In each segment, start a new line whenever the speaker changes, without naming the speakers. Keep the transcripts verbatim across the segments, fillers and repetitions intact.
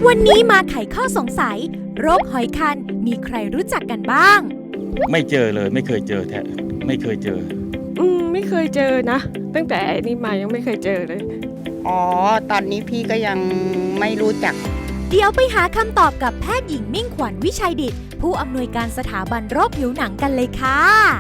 วันนี้มาไขข้อสงสัยโรคหอยคันมีใครรู้จักกันบ้าง
ไม่เจอเลยไม่เคยเจอแท้ไม่เคยเจอ
อืมไม่เคยเจอนะตั้งแต่นี่มายังไม่เคยเจอเลย
อ๋อตอนนี้พี่ก็ยังไม่รู้จัก
เดี๋ยวไปหาคำตอบกับแพทย์หญิงมิ่งขวัญวิชัยดิษฐ์ผู้อำนวยการสถาบันโรคผิวหนังกันเลยค่ะ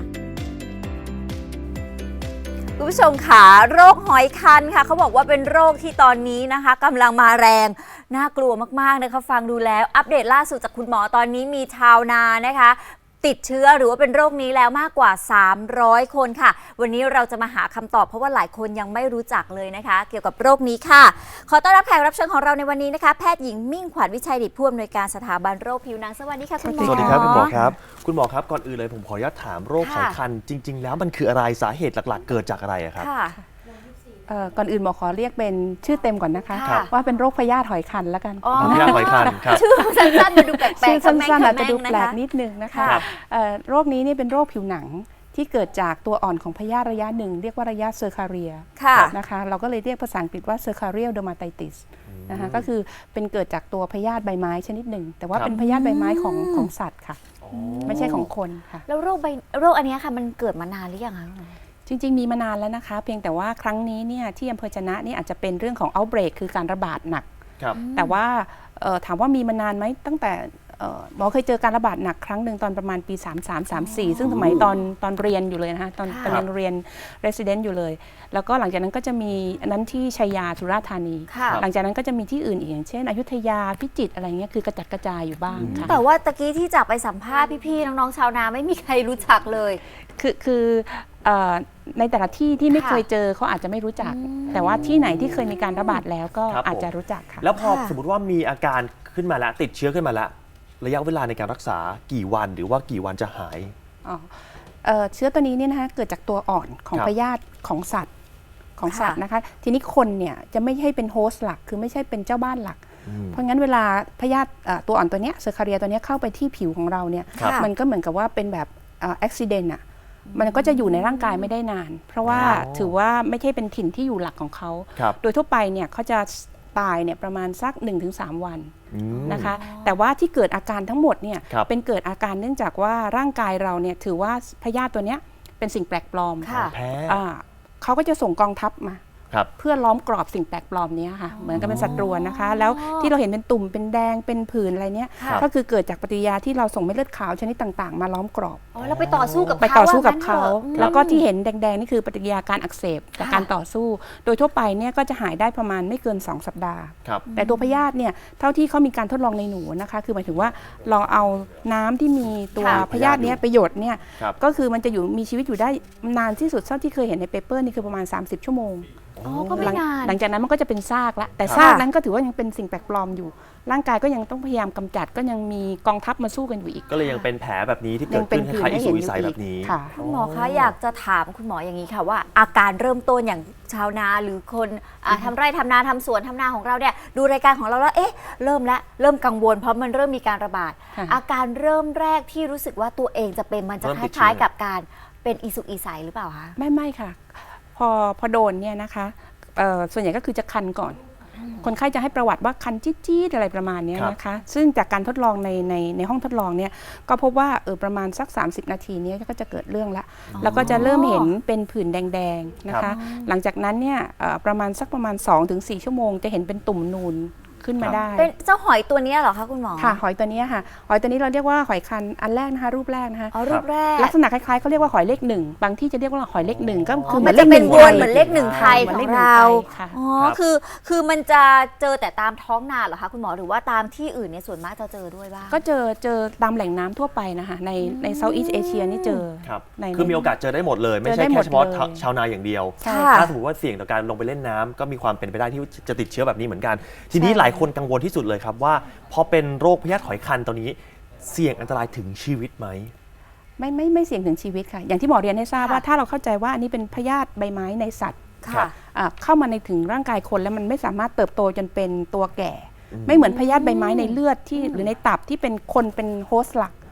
คุณผู้ชมค่ะโรคหอยคันค่ะเขาบอกว่าเป็นโรคที่ตอนนี้นะคะกำลังมาแรงน่ากลัวมากๆนะคะฟังดูแล้วอัปเดตล่าสุดจากคุณหมอตอนนี้มีชาวนานะคะติดเชื้อหรือว่าเป็นโรคนี้แล้วมากกว่าสามร้อยคนค่ะวันนี้เราจะมาหาคำตอบเพราะว่าหลายคนยังไม่รู้จักเลยนะคะเกี่ยวกับโรคนี้ค่ะขอต้อนรับแขกรับเชิญของเราในวันนี้นะคะแพทย์หญิงมิ่งขวัญวิชัยดิษฐ์ผู้อำนวยการสถาบันโรคผิวหนังสวัสดีค่ะคุณหมอ
สวัสดีครับคุณหมอครับคุณหมอครับก่อนอื่นเลยผมขออนุญาตถามโรคหอยคันจริงๆแล้วมันคืออะไรสาเหตุหลักๆเกิดจากอะไรครับ
ก่อนอื่นหมอขอเรียกเป็นชื่อเต็มก่อนนะคะว่าเป็นโรคพยาธิหอยคันแล้วกัน
พยาธิหอยคันครับ
ชื่อสั้นๆมาดูแปลกๆ
ชื่อสั้นๆอาจจะดูแปลกนิดนึงนะคะโรคนี้นี่เป็นโรคผิวหนังที่เกิดจากตัวอ่อนของพยาธิระยะหนึ่งเรียกว่าระยะเซอร์คาเรียนะคะเราก็เลยเรียกภาษาอังกฤษว่าเซอร์คาเรียลเดอร์มาไตติสนะคะก็คือเป็นเกิดจากตัวพยาธิใบไม้ชนิดหนึ่งแต่ว่าเป็นพยาธิใบไม้ของของสัตว์ค่ะไม่ใช่ของคนค่ะ
แล้วโรคใบโรคอันนี้ค่ะมันเกิดมานานหรือยังคะ
จริงๆมีมานานแล้วนะคะเพียงแต่ว่าครั้งนี้เนี่ยที่อำเภอจะนะนี่อาจจะเป็นเรื่องของ outbreak คือการระบาดหนักแต่ว่าถามว่ามีมานานไหมตั้งแต่หมอเคยเจอการระบาดหนักครั้งหนึ่งตอนประมาณปีสามสาม สามสี่ซึ่งสมัยตอนตอนเรียนอยู่เลยนะคะตอนตอนยังเรียน resident อยู่เลยแล้วก็หลังจากนั้นก็จะมีอันนั้นที่ชัยยาสุราษฎร์ธานีหลังจากนั้นก็จะมีที่อื่นอีกอย่างเช่นอยุธยาพิจิตรอะไรเงี้ยคือกระจัดกระจายอยู่บ้างค่ะ
แต่ว่าตะกี้ที่จากไปสัมภาษณ์พี่ๆน้องๆชาวนาไม่มีใครรู้จักเลย
คือคือในแต่ละที่ที่ไม่เคยเจอเขาอาจจะไม่รู้จักแต่ว่าที่ไหนที่เคยมีการระบาดแล้วก็อาจจะรู้จักค่ะ
แล้วพอสมมติว่ามีอาการขึ้นมาแล้วติดเชื้อขึ้นมาแล้วระยะเวลาในการรักษากี่วันหรือว่ากี่วันจะหาย
เชื้อตัวนี้เนี่ยนะคะเกิดจากตัวอ่อนของพยาธิของสัตว์ของสัตว์นะคะทีนี้คนเนี่ยจะไม่ใช่เป็นโฮสต์หลักคือไม่ใช่เป็นเจ้าบ้านหลักเพราะงั้นเวลาพยาธิตัวอ่อนตัวนี้เซอร์คาเรียตัวนี้เข้าไปที่ผิวของเราเนี่ยมันก็เหมือนกับว่าเป็นแบบอุบิเหตุอ่ะมันก็จะอยู่ในร่างกายไม่ได้นานเพราะว่าถือว่าไม่ใช่เป็นถิ่นที่อยู่หลักของเขาโดยทั่วไปเนี่ยเขาจะตายเนี่ยประมาณสัก หนึ่งถึงสาม วันนะคะแต่ว่าที่เกิดอาการทั้งหมดเนี่ยเป็นเกิดอาการเนื่องจากว่าร่างกายเราเนี่ยถือว่าพยาธิตัวนี้เป็นสิ่งแปลกปลอม
แพ้
เขาก็จะส่งกองทัพมาเพื่อล้อมกรอบสิ่งแปลกปลอมนี้ค่ะเหมือนกับเป็นศัตรูนะคะแล้วที่เราเห็นเป็นตุ่มเป็นแดงเป็นผื่นอะไรเนี้ยก็คือเกิดจากปฏิกิริยาที่เราส่งเม็ดเลือดขาวชนิดต่างๆมาล้อมกรอบ
อ๋อเราไปต่อสู้กับ
ไปต่อสู้กับเขาแล้วก็ที่เห็นแดงๆนี่คือปฏิกิริยาการอักเสบจากการต่อสู้โดยทั่วไปเนี่ยก็จะหายได้ประมาณไม่เกินสองสัปดาห์แต่ตัวพยาธิเนี่ยเท่าที่เขามีการทดลองในหนูนะคะคือหมายถึงว่าลองเอาน้ำที่มีตัวพยาธิเนี้ยประโยชน์เนี่ยก็คือมันจะอยู่มีชีวิตอยู่ได้นานที่สุดเท่าที่เคยเห็นในเปเปอร์นี่คือประมาณสามสิบชั่วโมงหลังจากนั้นมันก็จะเป็นซากละแต่ซากนั้นก็ถือว่ายังเป็นสิ่งแปลกปลอมอยู่ร่างกายก็ยังต้องพยายามกำจัดก็ยังมีกองทัพมาสู้กันอยู่อีก
ก็เลยยังเป็นแผลแบบนี้ที่เกิดขึ้นคล้ายๆอิสุอิสัยแบบนี้
คุณหมอคะอยากจะถามคุณหมออย่างนี้ค่ะว่าอาการเริ่มต้นอย่างชาวนาหรือคนทำไร่ทำนาทำสวนทำนาของเราเนี่ยดูรายการของเราแล้วเอ๊ะเริ่มแล้วเริ่มกังวลเพราะมันเริ่มมีการระบาดอาการเริ่มแรกที่รู้สึกว่าตัวเองจะเป็นมันจะคล้ายๆกับการเป็นอิสุอิสัยหรือเปล่าคะ
ไม่ไม่ค่ะพอพอโดนเนี่ยนะคะส่วนใหญ่ก็คือจะคันก่อนคนไข้จะให้ประวัติว่าคันจี๊ดๆอะไรประมาณนี้นะคะซึ่งจากการทดลองในในในห้องทดลองเนี่ยก็พบว่าเออประมาณสักสามสิบนาทีนี้ก็จะเกิดเรื่องละแล้วก็จะเริ่มเห็นเป็นผื่นแดงๆนะคะหลังจากนั้นเนี่ยประมาณสักประมาณ สองถึงสี่ ชั่วโมงจะเห็นเป็นตุ่มนูนขึ้นมาได้
เป็นเจ้าหอยตัวนี้เหรอคะคุณหมอ
ค่ะหอยตัวนี้ค่ะหอยตัวนี้เราเรียกว่าหอยคันอันแรกนะคะรูปแรกนะคะ
อ๋อรูปแรก
ลักษณะคล้ายๆเขาเรียกว่าหอยเลขหนึ่งบางที่จะเรียกว่าหอยเลขหนึ่งก็คือ
มันจะเป็นวนเหมือนเลขหนึ่งไทยของเราอ๋อคือคือมันจะเจอแต่ตามท้องนาเหรอคะคุณหมอหรือว่าตามที่อื่นเนี่ยส่วนมากจะเจอด้วยบ้าง
ก็เจอเจอตามแหล่งน้ำทั่วไปนะคะในในเซาท์อีสต์เอเชียนี่เจอ
คือมีโอกาสเจอได้หมดเลยไม่ใช่แค่เฉพาะชาวนาอย่างเดียวถ้าสมมติว่าเสี่ยงต่อการลงไปเล่นน้ำก็มีความเป็นไปได้ที่จะติดเชื้อแบบนี้เหมือนกันทีนี้หลายคนกังวลที่สุดเลยครับว่าพอเป็นโรคพยาธิหอยคันตัวนี้เสี่ยงอันตรายถึงชีวิตไหม
ไม่ไม่ไม่เสี่ยงถึงชีวิตค่ะอย่างที่หมอเรียนให้ทราบว่าถ้าเราเข้าใจว่าอันนี้เป็นพยาธิใบไม้ในสัตว์เข้ามาในถึงร่างกายคนแล้วมันไม่สามารถเติบโตจนเป็นตัวแก่ไม่เหมือนพยาธิใบไม้ในเลือดที่หรือในตับที่เป็นคนเป็นโฮสต์หลัก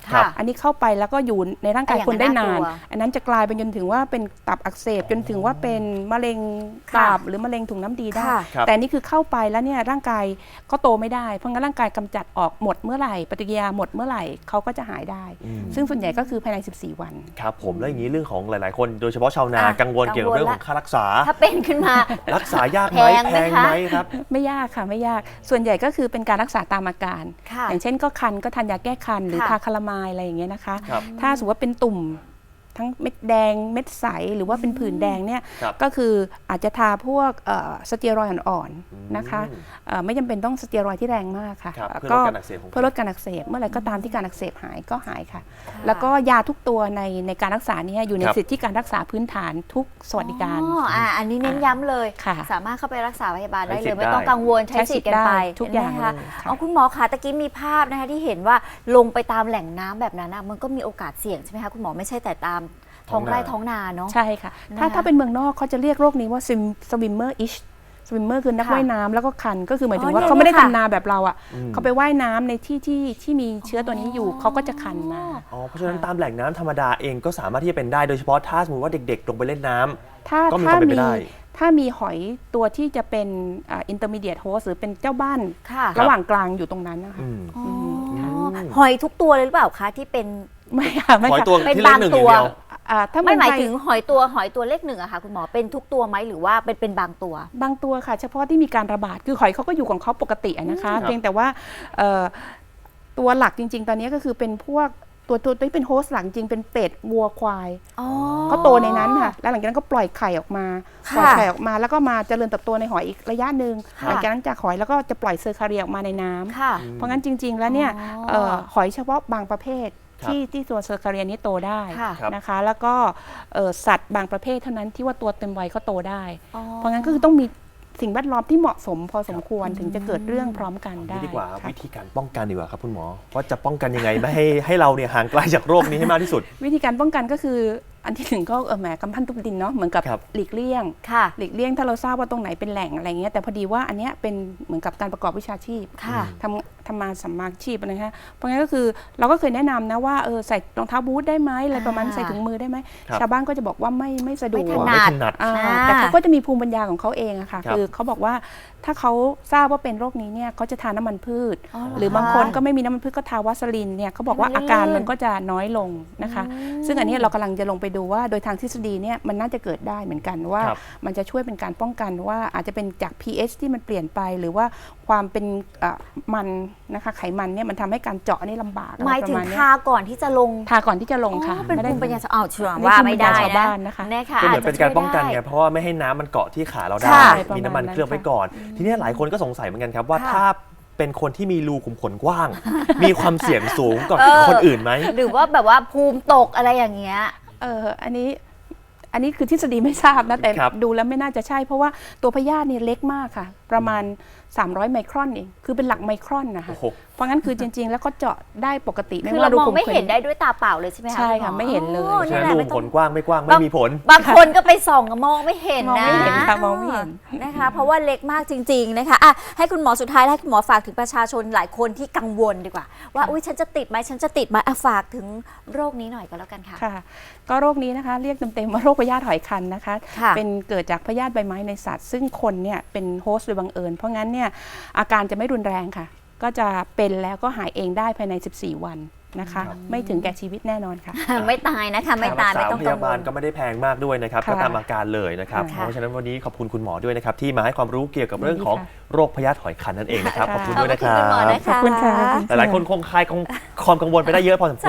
ค่ะ
อันนี้เข้าไปแล้วก็อยู่ในร่างกาย
อ่ะ
คนได้
อย่างนั้น
นาน
น่ากลัว
อันนั้นจะกลายเป็นจนถึงว่าเป็นตับอักเสบจนถึงว่าเป็นมะเร็งตับหรือมะเร็งถุงน้ำดีได้
ค่ะ
ครับ
แต่อันนี่คือเข้าไปแล้วเนี่ยร่างกายก็โตไม่ได้เพราะงั้นร่างกายกำจัดออกหมดเมื่อไหร่ปฏิกิริยาหมดเมื่อไหร่เขาก็จะหายได้
อืม
ซึ่งส่วนใหญ่ก็คือภายในสิบสี่วัน
ครับผมแล้วอย่างนี้เรื่องของหลาย ๆ คนโดยเฉพาะชาวนา
อ่ะ
กังวลเกี่ยวกับเรื่อง
กั
ข
งวลละ
องค่ารักษา
ถ้าเป็นขึ้นมา
รักษายากไหม
แพงไหม
แพง
คะ
ไหมครับ
ไม่ยากค่ะไม่ยากส่วนใหญ่ก็คือเป็นการรักษาตามอาการ
ค่ะ
อย่างเช่นก็คันก็ทานยาแก้คันหรือ
ค่ะ
ทาคาลามายอะไรอย่างเงี้ยนะคะ
ครับ
ถ้าสมมติว่าเป็นตุ่มทั้งเม็ดแดงเม็ดใสหรือว่าเป็นผื่นแดงเนี่ย
ครับ
ก็คืออาจจะทาพวกเอ่อสเตียรอยด์อ่อน
อืม
ๆนะคะเอ่อไม่จำเป็นต้องสเตียรอยด์ที่แรงมากค่ะ
ครับ
เอ่อ
เพื่อลดการอักเสบของ
เพื่อลดการอักเสบเมื่อไหร่ก็ตามที่การอักเสบหายก็หายค่ะ แล้วก็ยาทุกตัวในในการรักษาเนี้อยู่ใน
ครับ
สิทธิการรักษาพื้นฐานทุกสวัสดิการ
อ๋ออ่ะอันนี้เน้นย้ำเลย
ค่ะ
สามารถเข้าไปรักษาพยาบาลได้
ใช้
เล
สิท
ย
ธิ์
ไม่ต้อง
ได้
กังวลใช้สิทธิ์กันไป
ใช้สิทธิ์ได้ทุกอย่าง
เห็นไหมคะ
เลยค่ะ
เอาคุณหมอคะตะกี้มีภาพนะคะที่เห็นว่าลงไปตามแหล่งน้ำแบบนั้นนะมันก็มีโอกาสเสี่ยงใช่ไหมคะคุณหมอไม่ใช่แต่ตามท้องไร่ท้องนาเนาะ
ใช่ค่ะ ถ้า
นะคะ
ถ้าเป็นเมืองนอกเขาจะเรียกโรคนี้ว่า swimmer ish swimmer คือนัก
ค่ะ
ว่ายน้ำแล้วก็คันก็คือหมายถึ
อ๋
ง
อ
ว่า
เนี่ย
เขาไม่ได้
เนี่ยค่ะ
ทำนาแบบเราอ่ะ
อืม
เขาไปว่ายน้ำในที่ที่ที่มีเชื้อตัวนี้อยู่เขาก็จะคันมา
อ๋อเพราะฉะนั้นตามแหล่งน้ำธรรมดาเองก็สามารถที่จะเป็นได้โดยเฉพาะถ้าสมมติว่าเด็ก ๆ ลงไปเล่นน้ำ
ถ้า
ก็มี
ถ้า
ความเป็นไป
มี
ได้
ถ้ามีหอยตัวที่จะเป็นอ่า intermediate host หรือเป็นเจ้าบ้าน
ค่ะ
ระหว่างกลางอยู่ตรงนั้นนะคะ
อืม
อ๋อ
ม
หอยทุกตัวเลยหรือเปล่าคะที่เป็น
ไม่ค่ะไม่
ขอให้
ค่ะ
ตัว
เป็น
ที่เลขหนึ่งอย่างเดียว
บางตัว
อ่าถ้า
ไม่หมาย
เองท
ถึงหอยตัวหอยตัวเลขหนึ่งอะค่ะคุณหมอเป็นทุกตัวไหมหรือว่าเป็นเป็นบางตัว
บางตัวค่ะ เฉพาะที่มีการระบาดคือหอยเขาก็อยู่ของเขาปกติอะนะคะ
ครับ
เพียงแต่ว่าเอ่อตัวหลักจริง ๆ ตอนนี้ก็คือเป็นพวกตัวตัวที่เป็นโฮสต์หลักจริงเป็นเป็ดวัวควาย
อ๋อ
เขาโตในนั้นค่ะแล้วหลังจากนั้นก็ปล่อยไข่ออกมา
ค่ะ
ปล่อยไข่ออกมาแล้วก็มาเจริญเติบโตในหอยอีกระยะหนึ่ง
ค่ะ
หลังจากนั้นจากหอยแล้วก็จะปล่อยเซอร์คาเรียออกมาในน้ำ
ค่ะ
เพราะงั้นจริง ๆ แล้วเนี่ย
อ๋อ
เอ่อหอยเฉพาะบางประเภท
ครับ
ที่ที่ตัวเซอร์คาเรียนี้โตได้
ค่ะ
ครับ
นะคะ แล้วก็เอ่อสัตว์บางประเภทเท่านั้นที่ว่าตัวเต็มวัยเขาโตได้
อ๋อ
เพราะงั้นก็คือต้องมีสิ่งแวดล้อมที่เหมาะสมพอสมควรถึงจะเกิดเรื่องพร้อมกันได้
นี่ดีกว่า
ค่ะ
วิธีการป้องกันดีกว่าครับคุณหมอว่าจะป้องกันยังไงไม่ให้ให้เราเนี่ยห่างไกลจากโรคนี้ให้มากที่สุด
วิธีการป้องกันก็คืออันที่หนึ่งก็เออแหมกำพันทุบดินเนาะเหมือนกับ
ครับ
หลีกเลี่ยง
ค่ะ
หลีกเลี่ยงถ้าเราทราบว่าตรงไหนเป็นแหล่งอะไรเงี้ยแต่พอดีว่าอันเนี้ยเป็นเหมือนกับการประกอบวิชาชีพ
ค่ะ
ทำทำมาสัมมาอาชีพอะไรคะเพราะงั้นก็คือเราก็เคยแนะนำนะว่าเออใส่รองเท้าบูทได้ไหมอะไรประมาณ
อ่า
ใส่ถุงมือได้ไหม
ครับ
ชาวบ้านก็จะบอกว่าไม่ไม่สะดวก
ไม่ถ
อ๋อ
นั
ไม่
ด
ถนัด
อ่า
อ่า
แต่เขาก็จะมีภูมิปัญญาของเขาเองอะค่ะ
ครับ
คือเขาบอกว่าถ้าเขาทราบว่าเป็นโรคนี้เนี่ยเขาจะทานน้ำมันพืช
อ๋อเหรอ
หรือบางคน
คะ
ก็ไม่มีน้ำมันพืชก็ทาวาสลินเนี่ยเขาบอกว่า
ให้มัน
อาการ
ลื่น
มันก็จะน้อยลงนะคะ
อืม
ซึ่งอันเนี้ยเรากำลังจะลงไปดูว่าโดยทางทฤษฎีเนี่ยมันน่าจะเกิดได้เหมือนกันว่า
ครับ
มันจะช่วยเป็นการป้องกันว่าอาจจะเป็นจาก pH ที่มันเปลี่ยนไป หรือว่าความเป็นเอ่อมันนะคะไขมันเนี่ยมันทำให้การเจาะนี่ลำบากอะไร
หมาย
ป
ถึ
ระ
ง
มาณเนี้ย
ทาก่อนที่จะลง
ทาก่อนที่จะลงค่ะ
อ๋อเป็น
ไม่ได้
ภูมิปัญญาชาวอ้าวเชื่อ
อันนี้
ว่า
ภูมิ
ไม่
ปัญ
ได้
ญาชาว
นะ
บ้านนะคะ
นะคะ
ก็เหมือนเป็นการป้องกัน
จ
ไง
จะช่วยด้
เพราะว่าไม่ให้น้ำมันเกาะที่ขาเราได้
ค่ะ
มีน้ำมันเคลือบไว้ก่อน ทีนี้หลายคนก็สงสัยเหมือนกันครับว่า
ค่ะ
ถ้าเป็นคนที่มีรูขุมขนกว้าง มีความเสี่ยงสูงกว่า
เออ
คนอื่นไหม
หรือว่าแบบว่าภูมิตกอะไรอย่างเงี้ย
เอออันนี้อันนี้คือทฤษฎีไม่ทราบนะแต่
ครับ
ดูแล้วไม่น่าจะใช่ เพราะว่าตัวพยาธิเนี่ยเล็กมากค่ะ ประมาณ สามร้อย ไมครอนเองคือเป็นหลักไมครอนนะคะ
โอ้โห
เพราะงั้นคือจริง ๆ แล้วก็เจาะได้ปกติ
คือ
ว่า
เรามอง
ขุ
ไม่
ข
เห็นได้ด้วยตาเปล่าเลยใช่ไหมคะ
ใช่ค่ะ
ณ
ไม่เห็นเลย
โอ้
เพราะฉะ
นี่
นั้น
แหละ
รู
ไม่
ขุม
ต้
ข
อง
นกว้างไม่กว้างไม่มีผล
บางคนก็ไปส่องมองไม่เห็น
มอง
นะ
ไม่เห็นค่ะมองไม่เห็น
นะคะเพราะว่าเล็กมากจริง ๆนะคะอ่ะให้คุณหมอสุดท้ายให้คุณหมอฝากถึงประชาชนหลายคนที่กังวลดีกว่า ว่าอุ้ยฉันจะติดไหมฉันจะติดไหมอ่ะฝากถึงโรคนี้หน่อยก็แล้วกันค่ะ
ค่ะ ก็โรคนี้นะคะเรียกเต็มๆว่าโรคพยาธิหอยคันนะคะ
ค่ะ
เป็นเกิดจากพยาธิใบไม้ในสัตว์ ซึ่งคนเนี่ยเป็นโฮสต์โดยบังเอิญเพราะงั้นเนี่ยอาการจะไม่รุนแรงค่ะ ก็จะเป็นแล้วก็หายเองได้ภายในสิบสี่วันนะคะ
ครับ
ไม่ถึงแก่ชีวิตแน่นอนค่ะ
ไม่ตายนะคะไม่ตายไม่
ค่ารักษ
ต้อง
พ
กัง
ยาว บาล
ล
ก็ไม่ได้แพงมากด้วยนะครับ
ค่ะ
ก็ตามอาการเลยนะครับ
ค่ะ
เพราะฉะนั้นวันนี้ขอบคุณคุณหมอด้วยนะครับที่มาให้ความรู้เกี่ยวกับเรื่องของ
ยินดีค่ะ
โรคพยาธิหอยคันนั่นเองนะครับ
ค่ะ
ขอบคุณด้วยนะค
ขอบ
รั
คุณคุณหมอบ นะคะ
ขอบคุณค่ะ
หลายๆคนคงคลายความกังวลไปได้เยอะพอสมควร